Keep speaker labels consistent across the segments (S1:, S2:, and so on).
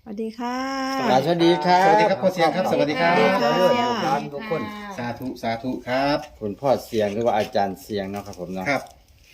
S1: สวัสดีค่ะ
S2: สวัสดีครับ
S3: สวัสดีครับพ่อเสียงครับสวัสดีครับ
S1: สวัสดีค่ะ
S3: ร้านทุกคนสาธุสาธุครับ
S2: คุณพ่อเสียงหรือว่าอาจารย์เสียงเนาะครับผมเนาะ
S3: ครับ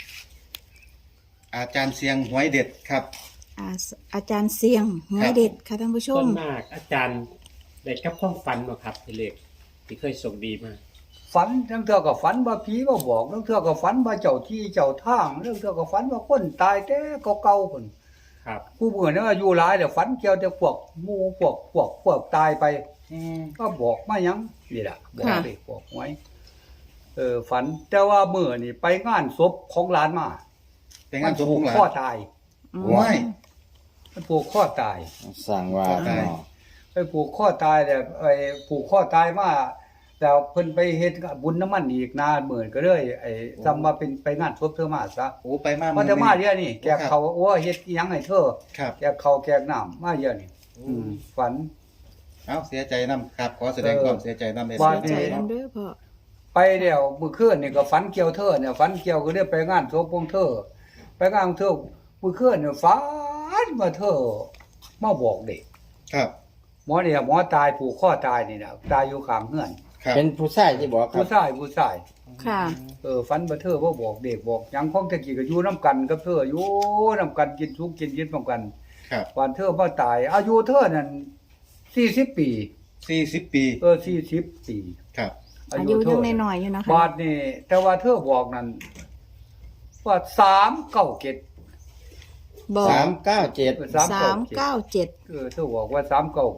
S3: อาจารย์เสียงหวยเด็ดครับ
S1: อาจารย์เสียงหวยเด็ดค่ะท่านผู้ช
S4: ส่ว
S1: ม
S4: นมากอาจารย์ได้กับความฝันบ่ครับพี่เล็กที่เคยส่งดีมา
S5: ฝันทั้งเทื่อก็ฝันว่าผีมาบอกทั้งเทื่อก็ฝันว่าเจ้าที่เจ้าทางทั้งเทื่อก็ฝันว่าคนตายแต่เก่าๆพุ่น
S4: ครับ
S5: ผู้เบื่อเนี่ยอายุหลายแต่ฝันเกี่ยวแต่พวกหมู่พวกตายไปก็บอกมาหยังนี่ล่ะบอก
S1: ค่ะ
S5: ไปบอกไว้ฝันแต่ว่ามื้อนี่ไปงานศพของหลานมา
S3: เป็นงานศพของหลาน
S5: ข้อตาย
S3: ว้าย
S5: มันผูกข้อตาย
S2: สั่งว่า
S3: ได้
S2: เนาะ
S5: ไปผูกข้อตายแต่ไอ้ผูกข้อตายมาแล้วเพิ่นไปเฮ็ดบุญน้ำมันอีกนานหมื่นก็เลยจำมาเป็นไปงานศพเธอมาซะ
S3: โอ้ไปมา
S5: เพราะเธอมาเดี๋ยวนี้แกกเขาโอ้เฮ็ดอิหยังให้เธอ
S3: ครับ
S5: แกกเขาแกกน้ำมาเดี๋ยวนี้ฝัน
S3: เอาเสียใจนํครับ ขอแสดงความเสียใจนํใน
S5: ว่า
S1: ใจน้ำเด้อพ่อ
S5: ไปเดี๋ยวมื้อคืนนี่ก็ฝันเกี่ยวเธอเนี่ยฝันเกี่ยวก็ได้ไปงานศพของเธอ ไปงานของเธอมื้อคืนเนี่ยฝันว่าเธอมาบอกเด็ก
S3: ครับ
S5: หมอตายผูกข้อตายนี่น่ะตายอยู่ข้างเฮือน
S3: ครับ
S2: เป็นผู้ชายที่บอกครั
S5: ผู้
S2: บ
S5: ชาย
S1: ค่ะ
S5: ฝันว่าเธอบ่บอกเด็กบอกหยังของตะกี้ก็อยู่นํกันกับเธออยู่นํกันกินสุกกินเย็นพร้อมกัน
S3: ครับ
S5: วันเธอมาตาย อายุเธอนั่น40 ปี
S3: 40 ปี
S5: 40 ปี
S3: ครับ
S1: อายุยังน้อยๆอยู่นะคะ
S5: บาทนี่แต่ว่าเธอบอกนั่นว่า397
S1: บอก
S2: 397
S1: 397
S5: เธอบอกว่า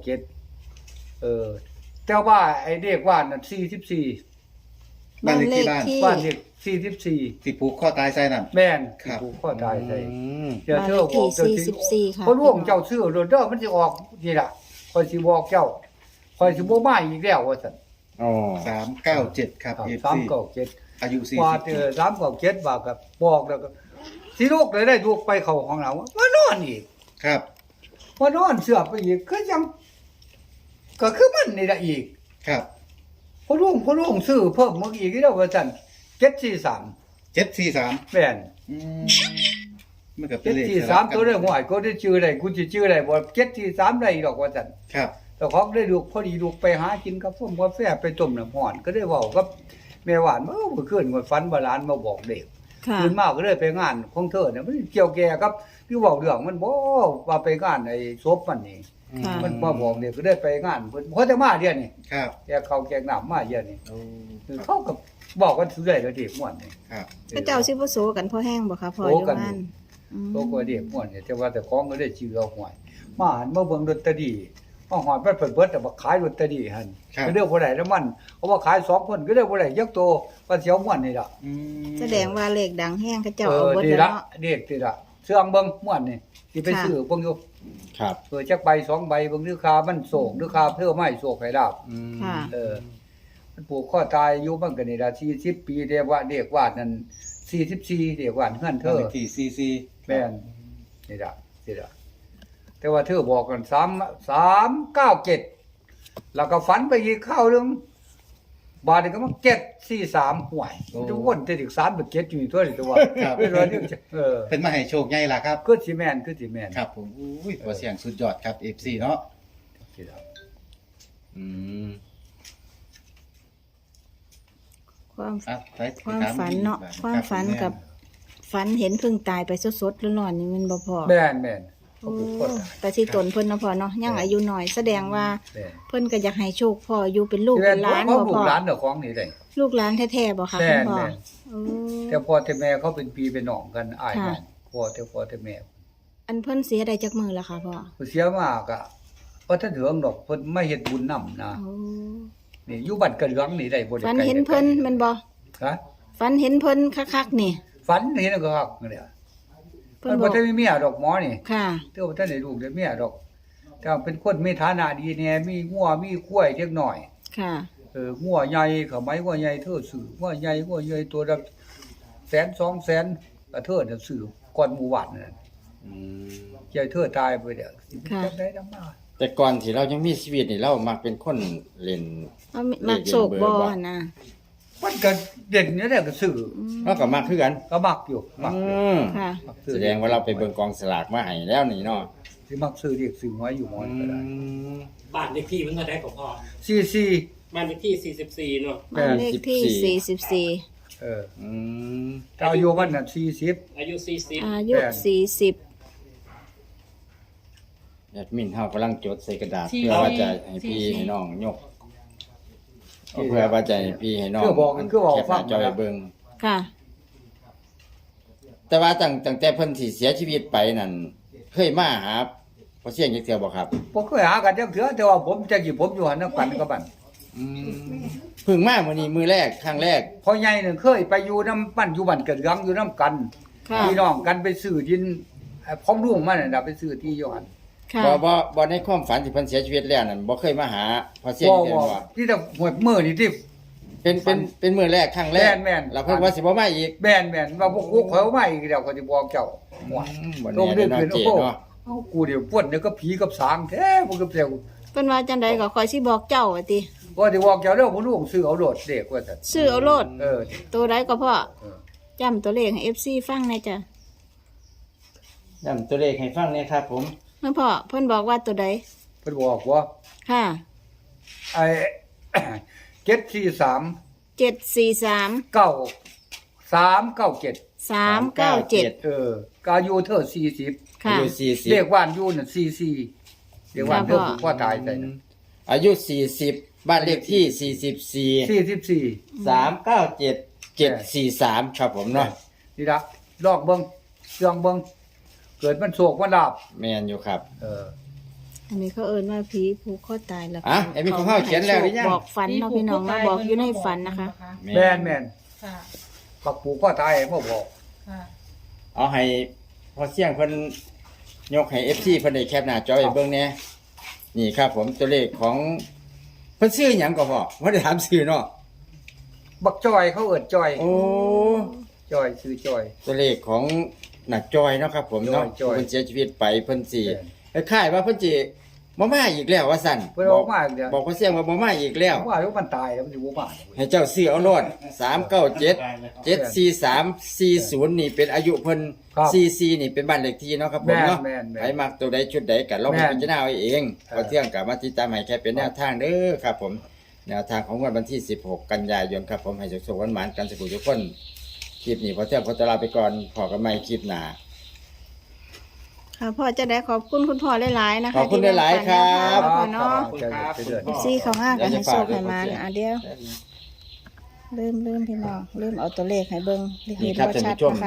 S5: 397แต่ว่าไอ้เด็กว่านั่น44
S1: บ้านเลขที่
S5: บ้านเลข44
S3: ที่ผูกข้อตายใส่นั่น
S5: แม่น
S3: ครับ
S5: ผูกข้อตายใส่
S2: อืม
S5: เดี๋ยวเธอบอกเจ้า
S1: บ้านเลขที่44ค่ะ
S5: เพราะร่วงเจ้าซื้อโดนเด้อมันสิออกนี่ล่ะคอยสิบอกเจ้าคอยสิบ่มาอีกแล้วว่าซั่น
S2: อ๋อ
S3: 397ครับ FC
S5: 397
S3: อายุ
S5: ว่า
S3: 40ปี
S5: 397ว่าก็บอกแล้วก็สิลูกเลยได้ลูกไปเข้าห้องน้ำว่านอนอีก
S3: ครับ
S5: ว่านอนเสือไปอีกคือยังก็คือมันนี่ล่ะอีก
S3: ครับ
S5: พอร่วงซื้อเพิ่มมาอีกแล้วว่าซั่น743
S3: 743
S5: แม่น
S3: อืมมันก็เป็นเลขสลับ
S5: 743ตัวได้หวยก็ได้ชื่อได้กูสิชื่อได้บ่743ได้ดอกว่าซั่น
S3: ครับ
S5: แต่ของได้ลูกพอดีลูกไปหากินกาแฟกาแฟไปต้มน้ำร้อนก็ได้เว้ากับแม่หวานเมื่อคืนก็ฝันว่าหลานมาบอกเด็ก
S1: ค่ะ
S5: ตื่นมาก็เลยไปงานของเธอเนี่ยมันเกี่ยวแก่กับที่เว้าเรื่องมันบ่ว่าไปงานไอ้ศพมันนี่
S1: ค่ะ
S5: มันมาบอกเด็กก็ได้ไปงานเพิ่นเขาจะมาเดี๋ยวนี้
S3: ครับ
S5: แกเขาแกน้ำมาเดี๋ยวนี้
S3: โอ้
S5: คือเขาก็บอกกันสุดได้แล้วเด็กม่วนนี่
S3: ครับ
S1: พระเจ้าสิบ่โสกันพ่อแห้งบ่คะพ่อ
S5: โส
S1: อยู่
S5: กัน
S1: บ้านอืม
S5: โตกว่าเด็กม่วนนี่แต่ว่าแต่ของก็ได้ชื่อเอาหวยมาหันมาเบิ่งดนตรีมาหอดมันเปิดเบิดแต่ว่าขายดนตรีหั่น
S3: ครับ
S5: ก็เรียกบ่ได้แล้วมันเพราะว่าขาย2คนก็เรียกบ่ได้ยักโตว่าเสียวม่วนนี่ล่ะ
S3: อืม
S1: แสดงว่าเลขดังแห้งเขาเจ้าเอาเบิด
S5: ดี
S1: แล้ว
S5: ละ
S1: เนาะ
S5: เด็กดีละเสื่องเบิ่งม่วนนี่สิไป
S1: ค่ะ
S5: ซื้อเบิ่งอยู่
S2: ครับ
S5: จักใบ2ใบเบิ่งราคามันโศกราคาเพิ่มไม่โศกให้ดาบ
S2: อืม
S1: ค่ะ
S5: มันปลูกข้อตายอยู่มันก็นี่ล่ะ40ปีเรียกว่าเด็กวาดนั่น44เด็กวาดเฮือนเธ
S3: บ้าน
S5: อ
S3: เลขที่ซีซี
S5: แม่นนี่ล่ะนี่ล่ะแต่ว่าเธอบอกกัน397แล้วก็ฝันไปอีกข้าวนึงบาดนี้ก็มา743ห่วยทุกคนจะถึง3เป็น7อยู่นี่ตัวนี่ตัวเป็นว่านี่
S3: เป็นมาให้โชคใหญ่ล่ะครับ
S5: คือสิแม่นคือสิแม่น
S3: ครับผมอุ้ยตัวเสียงสุดยอดครับ FC เนาะ
S2: อืม
S1: ความ
S3: อ่ะไป
S1: ความ
S3: ถ
S1: ฝันเนาะ
S3: อีก
S1: ความฝันกับฝันเห็นเพิ่งตายไปสดๆร้อนๆนี่มันบ่พอ
S5: แม่นแม่น
S1: โอ้แต่ที่ตนเพิ่นเนาะพ่อเนาะยังอายุน้อยแสดงว่า
S5: แม่น
S1: เพิ่นก็อยากให้โชคพ่ออยู่เป็นลูกเป็นหลาน
S5: เขา
S1: บ่
S5: ลู
S1: พ่
S5: ก
S1: อ
S5: หลานเด้อของนี่ได้
S1: ลูกหลานแท้ๆบ่คะ
S5: แม่
S1: คุณ
S5: น
S1: พ่อ
S5: แม่น
S1: โอ้
S5: แต่พ่อแต่แม่เขาเป็นพี่เป็นน้องกันอ้าย
S1: ค่ะ
S5: น้องพ่อแต่แม่
S1: อันเพิ่นเสียได้จักมือแล้วค่ะพ่อ
S5: เสียมากอ่ะบ่ทันถึงดอกเพิ่นไม่เฮ็ดบุญนำนะ
S1: โอ้
S5: นี่อยู่บ้านกระเหลืองนี่ได้บ่ได้
S1: ฝัน
S5: ไกล
S1: เห็นเพิ่นแมันบ่
S5: ฮะ
S1: ฝันเห็นเพิ่นคักๆนี่
S5: ฝันเห็นก็คักเนี่ย
S1: เพิ่
S5: มัน น
S1: บ
S5: บ่
S1: อก
S5: ทันมีเมียดอกหมอนี่
S1: ค่ะ
S5: แต่ว่าบ่ทันได้ลูกได้เมียดอก แต่ว่าเป็นคนมีฐานะดีแน่มีงัวมีควายเล็กน้อย
S1: ค่ะ
S5: งัวใหญ่เขาไม้งัวใหญ่เธอซื้องัวใหญ่ตัวละ100,000 200,000ก็เธอน่ะซื้อก่อนหมู่บ้านนั่น
S2: อืม
S5: ใจเธอตายไปเด้อสิ
S1: ค่ะ
S5: จังได๋นำมา
S2: แต่ก่อนที่เรายังมีชีวิตนี่เรามักเป็นคนเล่น
S1: เอามักโศกบ่นะ
S5: มันก็เด่นนี่แหละก็ซื้อ
S2: เราก็มักคือกัน
S5: ก็มักอยู่มักอยู่
S2: อืม
S1: ค่ะ
S5: มักซื้อ
S2: แสดงว่าเราไปเบิ่งกองสลากมาให้แล้วนี่เนาะ
S5: สิมักซื้อเรียกซื้อหวยอยู่หมอนก็ได้
S4: บ้านเลขที่มันเท่าไหร่ของพ่อ
S5: 44
S4: บ้านเลขที่44เนาะ
S5: แม่
S1: บ้าน
S5: น
S1: เลขที่ 44
S5: เออ
S2: อืม
S5: แต่อายุมันน่ะ40
S4: อายุ40
S1: อายุ
S5: แม่น
S1: 40
S2: แอดมินเฮากำลังจดใส่กระดาษเพื่อว่าจะให้พี่ให้น้องยกเพื่อว่าจะให้พี่ให้น้อง
S5: คือบอก
S2: แคปห
S5: ฟั
S2: น้าง จอไว้เบิ่ง
S1: ค่ะ
S2: แต่ว่าตั้งแต่เพิ่นสิเสียชีวิตไปนั่นเคยมาหาพอเสียงจักเทื่อบ่ครับ
S5: บ่เคยหากันจักเทื่อแต่ว่าผมจักสิผมอยู่หันนำกันกับมัน
S2: เพิ่งมามื้อนี้มื้อแรกครั้งแรก
S5: พ่อใหญ่นึงเคยไปอยู่นำบ้านอยู่บ้านเกิดเรืองอยู่นำกัน
S1: ค่ะ
S5: พี่น้องกันไปซื้อดินพร้อมลุงมันน่ะไปซื้อที่อยู่หัน
S1: ค่ะ
S2: บ่ในความฝันที่เพิ่นเสียชีวิตแล้วนั่นบ่เคยมาหาพอเสียง
S5: บ่
S2: จักเทื่อ
S5: บ่
S2: ว่า
S5: ที่แต่หวยมื้อนี่ที่
S2: เป็นมื้อแรกครั้งแรก
S5: แม่นๆ
S2: แล้วเพิ่นว่าสิบ่มาอีก
S5: แม่นว่าพวกกูข่อยเอามาอีกเดี๋ยวก็สิบอกเจ้าหวย
S2: บ่
S5: ลง
S2: แน่
S5: เดื
S2: เด้
S5: อ
S2: อน เนาะ
S5: เป็น
S2: เจ
S5: โอ้โห
S2: เนาะ
S5: เอ้ากูเดี๋ยวปวดเนี่ยก็ผีกับสางแท้มันก็เปลว
S1: เพิ่นว่าจังไดก็คอยสิบอกเจ้าว่าติ
S5: ว่าสิบอกเจ้าเด้อบ่รู้ซื้อเอาโดดเด็กว่าซั่น
S1: ซื้อเอาโลด
S5: เออ
S1: ตัวใดก็พ่อ
S5: เออ
S1: จำตัวเลขให้ FC ฟังหน่อยจ้ะ
S2: ย้ำตัวเลขให้ฟังหน่อยครับผม
S1: เพิ่นพ่อเพิ่นบอกว่าตัวใด
S5: เพิ่นบอกว่า
S1: ค่ะ
S5: ไอ้ 743
S1: 743
S5: 9397
S1: 397
S5: เออก็อายุเธอ40
S1: ค่ะ
S2: อายุ
S5: เลขบ้านอยู่น่ะ44เลขบ้านเธอ
S1: ครับพ่อ
S5: ผูกคอตายใส่น่ะ
S2: อายุ40บ้านเลขที่44
S5: 44
S2: 397 743ครับผมเนาะ
S5: นี่ล่ะลอกเบิ่งเครื่องเบิ่งเกิดมันโศกมันลาบ
S2: แม่นอยู่ครับ
S5: เออ
S1: อันนี้เขาเอิ้นว่าผีผูกคอตายแล้ว
S2: อ่ะไอ้มีของเฮาเขียนแล้วหรือยัง
S1: บอกฝันเนาะพี่น้องเนาะบอกอยู่ในฝันนะคะ
S5: แม่น
S6: ค่ะ
S5: ปักผูกคอตายให้มาบอก
S6: ค่ะ
S2: เอาให้พอเสียงเพิ่นยกให้ FC เพิ่นได้แคปหน้าจอไว้เบิ่งแหน่นี่ครับผมตัวเลขของเพิ่นชื่อหยังก็พอบ่ได้ถามชื่อเนาะ
S5: บักจอยเขาเอิ้นจอย
S2: โอ้
S5: จอยซื้อจอย
S2: ตัวเลขของนักจอยเนาะครับผมเนาะ
S5: จอย
S2: เพิ่นเสียชีวิตไปเพิ่นสิ
S5: แม่น
S2: คล้ายๆว่าเพิ่นสิบ่มาอีกแล้วว่าซั่น
S5: เพิ่นเอามาอีกแล้ว
S2: บอกพอเสียงว่าบ่มาอีกแล้ว
S5: ว่ามันตายแล้วมันสิบ่มา
S2: ให้เจ้าซื้อเอาโลด397 74340นี่เป็นอายุเพิ่น
S5: ครับ
S2: 44นี่เป็นบ้านเลขที่เนาะครับผมเนาะ
S5: แม่น
S2: ใครมักตัวใดชุดใดก็ลองไปพิจารณาเอาเองพอเที่ยงก็มาติดตามให้แค่เป็นแนวทางเด้อครับผมแนวทางของวันที่16กันยายนครับผมให้สุขๆหวานๆกันสุขทุกคนคลิปนี้พอเที่ยงขอตัวลาไปก่อนพอกันใหม่คลิปหน้า
S1: ค่ะพ่อจะได้ขอบคุณคุณพ่อหลายๆนะคะ
S2: ขอบคุณหลายๆครับ
S1: ที่แบ่งปันแนวทางพ่อเนาะ
S5: ไปเรื่อย
S1: ซี่เขาห้ากันให้โชคให้มาเดี๋ยวเริ่มพี่น้องเริ่มเอาตัวเลขให้เบิ่งเลข
S2: นี่
S1: เห็น
S2: ครับ
S1: ว่า
S2: ท่าน
S1: ชัด
S2: ผู้ชม
S1: นะคะ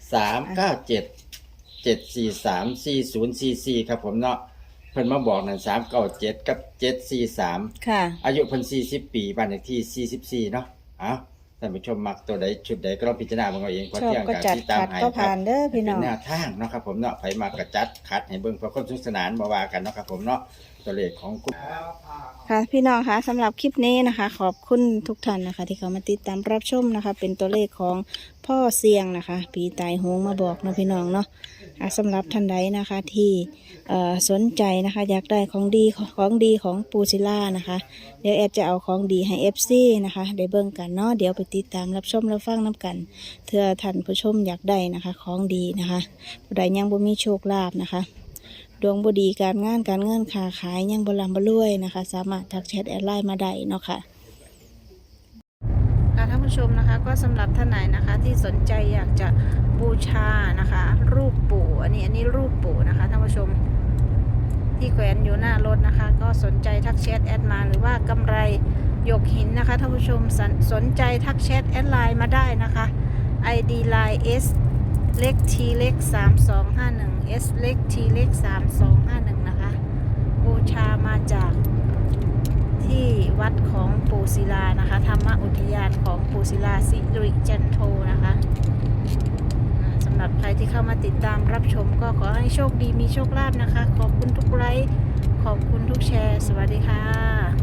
S2: 397 743 4044ครับผมเนาะเพิ่นมาบอกนั่น397กับ743
S1: ค่ะ
S2: อายุเพิ่น40 ปีบ้านเลขที่44เนาะเอ้าท่านผู้ชมมักตัวใดชุดใดก็ลองพิจารณาเบิ่งเอาเองพอ
S1: ชอบ
S2: เที่ยง
S1: ก็
S2: กัน
S1: จัด
S2: ที่ตาม
S1: ขัด
S2: ให้
S1: ก็
S2: ครั
S1: ผ่าน
S2: บ
S1: เด้อพี่
S2: เป็
S1: น้
S2: น
S1: อง
S2: แนวทางเนาะครับผมเนาะไผมากระจัดคัดให้เบิ่งเพื่อความสนุกสนานบ่ว่ากันเนาะครับผมเนาะตัวเลขของคุณ
S1: ค่ะพี่น้องคะสำหรับคลิปนี้นะคะ ขอบคุณทุกท่านนะคะ ที่เขามาติดตามรับชมนะคะ เป็นตัวเลขของพ่อเสียงนะคะปีตายโหงมาบอกเนาะพี่น้องเนาะสำหรับท่านใดนะคะที่สนใจนะคะ อยากได้ของดีของปูซิล่านะคะ เดี๋ยวแอดจะเอาของดีให้ FC นะคะได้เบิ่งกันเนาะเดี๋ยวไปติดตามรับชมรับฟังน้กันเพื่อท่านผู้ชมอยากได้นะคะ ของดีนะคะผู้ใดยังบ่มีโชคลาภนะคะดวงบ่ดีการงานการเงินค้าขายยังบ่ร่ำบ่รวยนะคะ สามารถทักแชทแอดไลน์มาได้เนาะค่ะท่านผู้ชมนะคะก็สำหรับท่านไหนนะคะที่สนใจอยากจะบูชานะคะ รูปปู่อันนี้รูปปู่นะคะท่านผู้ชมที่แขวนอยู่หน้ารถนะคะ ก็สนใจทักแชทแอดมาหรือว่ากำไรหยกหินนะคะท่านผู้ชมสนใจทักแชทแอดไลน์มาได้นะคะ ID line S เล็ก T เล็ก3251 S เล็ก T เล็ก3251นะคะบูชามาจากที่วัดของปูศิลานะคะธรรมอุทยานของปูศิลาสิริจันโทนะคะสำหรับใครที่เข้ามาติดตามรับชมก็ขอให้โชคดีมีโชคลาภนะคะขอบคุณทุกไลค์ขอบคุณทุกแชร์สวัสดีค่ะ